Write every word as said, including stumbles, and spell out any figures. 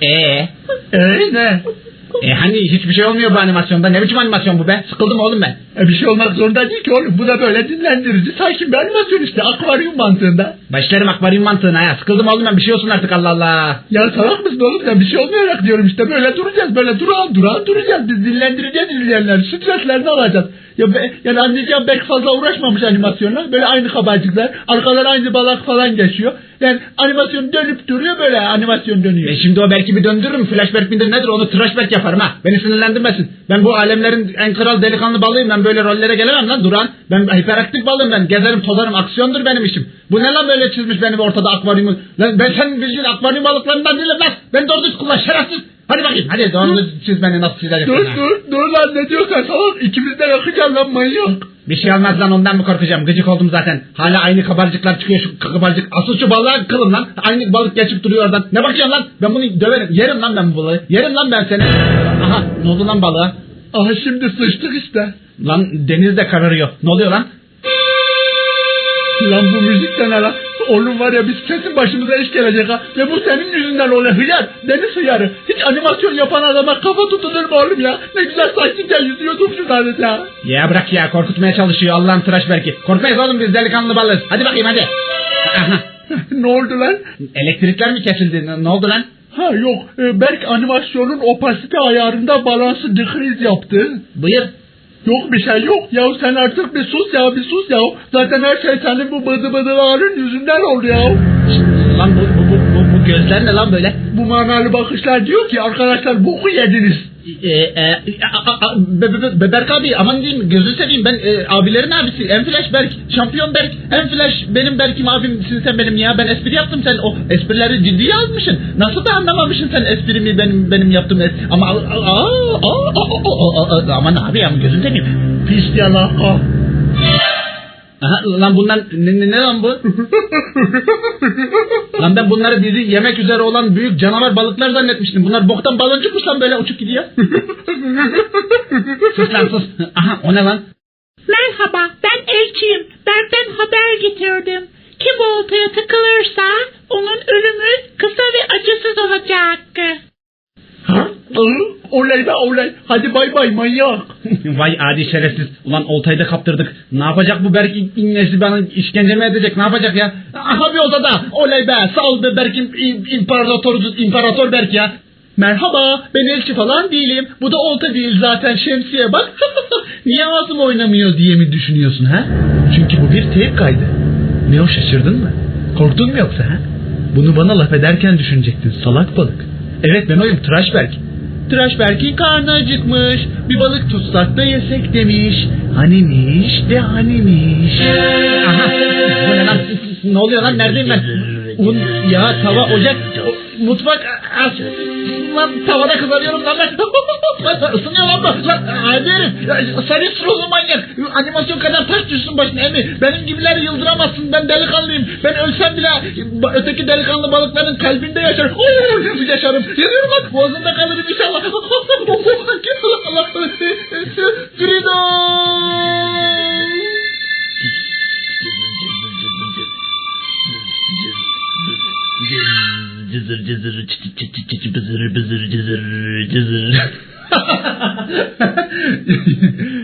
Ee, Eee ne? e hani hiçbir şey olmuyor bu animasyonda. Ne biçim animasyon bu be? Sıkıldım oğlum ben. E bir şey olmak zorunda değil ki oğlum. Bu da böyle dinlendirici, sakin bir animasyon işte. Akvaryum mantığında. Başlarım akvaryum mantığına ya. Sıkıldım oğlum ben. Bir şey olsun artık, Allah Allah. Ya salak mısın oğlum sen? Bir şey olmayarak diyorum işte. Böyle duracağız. Böyle durağan durağan duracağız. Biz dinlendireceğiz izleyenler. Streslerini alacağız. Ya be, yani anlayacağım belki fazla uğraşmamış animasyonla. Böyle aynı kabarcıklar. Arkalar aynı balak falan geçiyor. Yani animasyon dönüp duruyor, böyle animasyon dönüyor. E şimdi o belki bir döndürürüm. Flashback midir nedir, onu trashback yaparım ha. Beni sinirlendirmesin. Ben bu alemlerin en kral delikanlı balığıyım. Ben böyle rollere gelemem lan Duran. Ben hiperaktif balığım ben. Gezerim tozarım, aksiyondur benim işim. Bu ne lan böyle çizmiş benim ortada akvaryumu. Lan ben senin bildiğin akvaryum balıklarından değilim lan. Ben doğru düz kullan şerefsiz. Hadi bakayım hadi doğru düz çiz beni, nasıl çizeceksin. Dur ha. dur dur lan, ne diyorsun salak? İkimiz de yakacağız lan, manyak. Bir şey olmaz lan, ondan mı korkacağım? Gıcık oldum zaten. Hala aynı kabarcıklar çıkıyor, şu kabarcık. Asıl şu balığa kılın lan. Aynı balık geçip duruyor oradan. Ne bakıyorsun lan? Ben bunu döverim. Yerim lan ben bu balığı. Yerim lan ben seni. Aha, ne oldu lan balığa? Aha şimdi sıçtık işte. Lan deniz de kararıyor. Ne oluyor lan? Lan bu müzik de ne lan? Oğlum var ya, biz kesin başımıza iş gelecek ha. Ve bu senin yüzünden oluyor, hıyar. Deniz hıyarı. Hiç animasyon yapan adama kafa tutulur mu oğlum ya? Ne güzel sakince yüzüyordum şu adet ya. Ya bırak ya, korkutmaya çalışıyor Allah'ın tıraş belki. Korkmayız oğlum, biz delikanlı balığız. Hadi bakayım hadi. Aha. Ne oldu lan? Elektrikler mi kesildi? Ne, ne oldu lan? Ha yok, e, Berk animasyonun opasite ayarında balansı decrease yaptı. Buyur. Yok bir şey yok. Ya sen artık bir sus ya, bir sus ya. Zaten her şey senin bu bıdı bıdıların yüzünden oldu ya. Lan bu, bu, bu, bu, bu gözler ne lan böyle? Bu manalı bakışlar diyor ki arkadaşlar boku yediniz. Ee, e, a, a, a, be, be, be, Berk abi aman diyeyim, gözünü seveyim, ben e, abilerin abisi. Enflash Berk, şampiyon Berk. Enflash benim Berk'im, abimsin sen benim ya. Ben espri yaptım, sen o esprileri ciddiye almışsın. Nasıl da anlamamışsın sen esprimi, benim benim yaptığım espri. Ama aa, aa, aa, aa, aa, aman abi ya, gözünü seveyim. Pis yalaka. Aha, lan bunlar ne, ne, ne lan bu? Lan ben bunları bizi yemek üzere olan büyük canavar balıklar zannetmiştim. Bunlar boktan baloncukmuş lan, böyle uçup gidiyor. Sus lan sus. Aha, o ne lan? Merhaba, ben elçiyim. Berk'ten haber getirdim. Kim oltaya tıkılırsa onun ölümü kısa ve acısız olacak. Ha? Oley be oley. Hadi bay bay manyak. Vay adi şerefsiz. Ulan oltayı da kaptırdık. Ne yapacak bu Berk İnnesi, bana işkence mi edecek? Ne yapacak ya? Aha bir odada. Oley be. Sağ ol be Berk'im. İmparator, imparator Berk ya. Merhaba, ben elçi falan değilim. Bu da olta değil zaten, şemsiye bak. Niye ağzım oynamıyor diye mi düşünüyorsun ha? Çünkü bu bir teyp kaydı. Ne o, şaşırdın mı? Korktun mu yoksa ha? Bunu bana laf ederken düşünecektin salak balık. Evet ben oyum, Tıraş Berk. Tıraş Berk'in karnı acıkmış. Bir balık tutsak da yesek demiş. Hanimiş de hanimiş. Aha, bu ne lan? Ne oluyor lan? Neredeyim ben? Un, yağ, tava, ocak, o, mutfak. As, lan tavada kızarıyorum lan ben. Isınıyor lan bu. Lan hadi herif. Sarı sürolu manyak. Animasyon kadar taş düşsün başına emi. Benim gibileri yıldıramazsın. Ben delikanlıyım. Ben ölsem bile öteki delikanlı balıkların kalbinde yaşarım. Ooo yaşarım. Yanıyorum lan. Boğazında kalırım inşallah. Allah. Freedom. Cızır cızır çıt çıt çıt çıt bızır bızır cızır cızır.